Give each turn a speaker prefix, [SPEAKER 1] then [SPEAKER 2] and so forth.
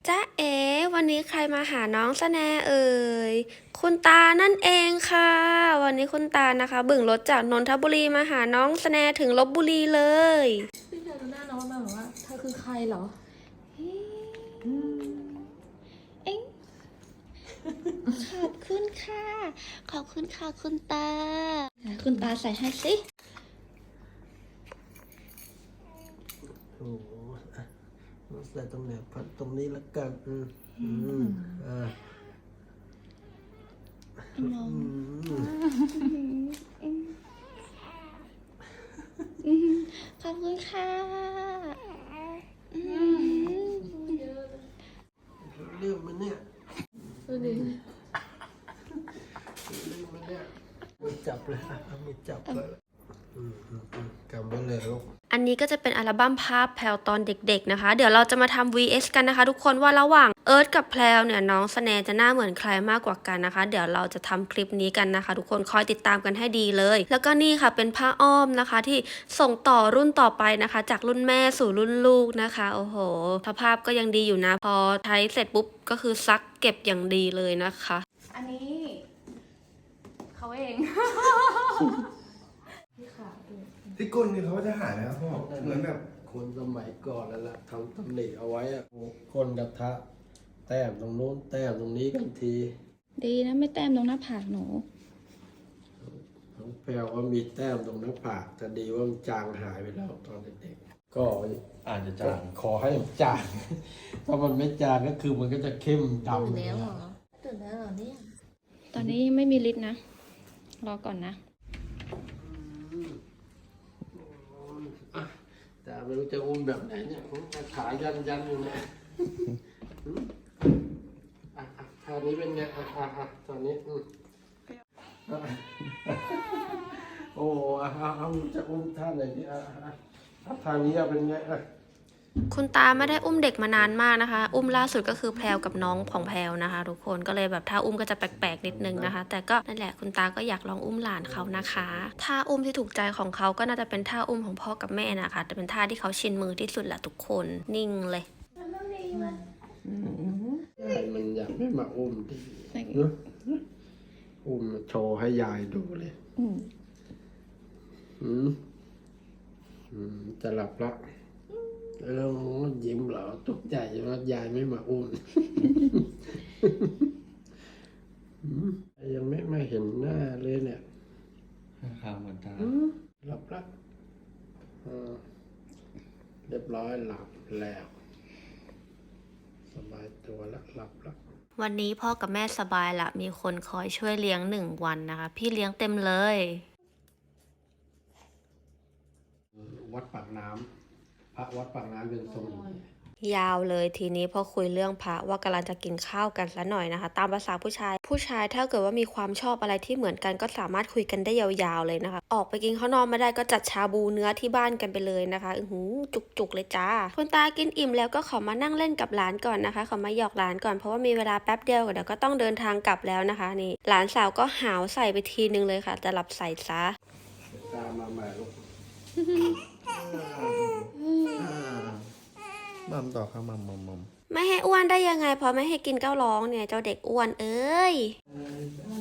[SPEAKER 1] จ๊ะเอ๋วันนี้ใครมาหาน้องสแนเอ่ยคุณตานั่นเองค่ะวันนี้คุณตานะคะบึ่งรถจากนนทบุรีมาหาน้องสแนถึงลพบุรีเลย
[SPEAKER 2] พี่เธอดูหน้าน้องมาแบบว่าเธอคือใครเหรอเอ็งขอบคุณค่ะขอบคุณค่ะคุณตาคุณตาใส่ให้สิ
[SPEAKER 3] โอ้โหใส่ตรงไหนพันตรงนี้แล้วกัน
[SPEAKER 2] น้องขอบคุณค่ะ
[SPEAKER 3] เรื่องมันเนี่ย
[SPEAKER 2] ดูดิ
[SPEAKER 3] เรื่องมันเนี่ยมือจับเลยมือจับเลยกำไว้เลยลูก
[SPEAKER 1] อันนี้ก็จะเป็นอัลบั้มภาพแพลวตอนเด็กๆนะคะเดี๋ยวเราจะมาทำ vs กันนะคะทุกคนว่าระหว่างเอิร์ธกับแพลวเนี่ยน้องสแนจะหน้าเหมือนใครมากกว่ากันนะคะเดี๋ยวเราจะทำคลิปนี้กันนะคะทุกคนคอยติดตามกันให้ดีเลยแล้วก็นี่ค่ะเป็นผ้าอ้อมนะคะที่ส่งต่อรุ่นต่อไปนะคะจากรุ่นแม่สู่รุ่นลูกนะคะโอ้โหสภาพก็ยังดีอยู่นะพอใช้เสร็จปุ๊บก็คือซักเก็บอย่างดีเลยนะคะ
[SPEAKER 2] อันนี้เขาเอง
[SPEAKER 4] ที่ก้นนี่เขาจะหายไหมครับพ่อเหมือนแบบ
[SPEAKER 3] คนสมัยก่อนนั่นแหละทำตำหนิเอาไว้อะคนกระทะแต้มตรงโน้นแต้มตรงนี้กันที
[SPEAKER 2] ดีนะไม่แต้มตรงหน้าผากหนู
[SPEAKER 3] น้องแพรวก็มีแต้มตรงหน้าผากแต่ดีว่ามันจางหายไปแล้วตอนเด็กๆก็
[SPEAKER 4] อาจจะจาง
[SPEAKER 3] ขอให้มันจางถ้ามันไม่จางก็คือมันก็จะเข้มดำ
[SPEAKER 2] ตื่นแล้วเหรอตื่นแล้วเหรอเนี่ยตอนนี้ยังไม่มีฤทธิ์นะรอก่อนนะ
[SPEAKER 3] แต่ไม่รู้จะอุ้มแบบไหนเนี่ยผมขายันอยู่เนี่ยท่านี้เป็นไงตอนนี้โอ้จะอุ้มท่าไหนดีท่านี้เป็นไง
[SPEAKER 1] คุณตาไม่ได้อุ้มเด็กมานานมากนะคะอุ้มล่าสุดก็คือแพลวกับน้องของแพลวนะคะทุกคนก็เลยแบบถ้าอุ้มก็จะแปลกๆนิดนึงนะคะแต่ก็นั่นแหละคุณตาก็อยากลองอุ้มหลานเขานะคะท่าอุ้มที่ถูกใจของเขาก็น่าจะเป็นท่าอุ้มของพ่อกับแม่นะคะแต่เป็นท่าที่เขาชินมือที่สุดแหละทุกคนนิ่งเลย
[SPEAKER 3] มันอยากไม่มาอุ้มดิอุ้มโชว์ให้ยายดูเลยจะหลับละแล้วยิ้มเหรอตกใจว่ายายไม่มาอุ้มยังไม่เห็นหน้าเลยเนี่ย
[SPEAKER 4] ข้าวเหมือนกัน
[SPEAKER 3] หลับละเรียบร้อยหลับแล้วสบายตัวแล้วหลับละ
[SPEAKER 1] วันนี้พ่อกับแม่สบายละมีคนคอยช่วยเลี้ยง1 วันนะคะพี่เลี้ยงเต็มเลย
[SPEAKER 3] วัดปากน้ำพระวัดปากน้ำเป็นทรง
[SPEAKER 1] ยาวเลยทีนี้พอคุยเรื่องพระว่ากำลังจะกินข้าวกันซะหน่อยนะคะตามภาษาผู้ชายถ้าเกิดว่ามีความชอบอะไรที่เหมือนกันก็สามารถคุยกันได้ยาวๆเลยนะคะออกไปกินข้าวนอกไม่ได้ก็จัดชาบูเนื้อที่บ้านกันไปเลยนะคะจุกเลยจ้าคุณตากินอิ่มแล้วก็ขอมานั่งเล่นกับหลานก่อนนะคะขอมาหยอกหลานก่อนเพราะว่ามีเวลาแป๊บเดียวเดี๋ยวก็ต้องเดินทางกลับแล้วนะคะนี่หลานสาวก็หาวใส่ไปทีนึงเลยค่ะจะหลับใส่ซะ
[SPEAKER 3] ตามมาใหม่ลูก
[SPEAKER 4] มัมต่อครับมัม
[SPEAKER 1] ไม่ให้อ้วนได้ยังไงพอไม่ให้กินก็ร้องเนี่ยเจ้าเด็กอ้วนเอ้ย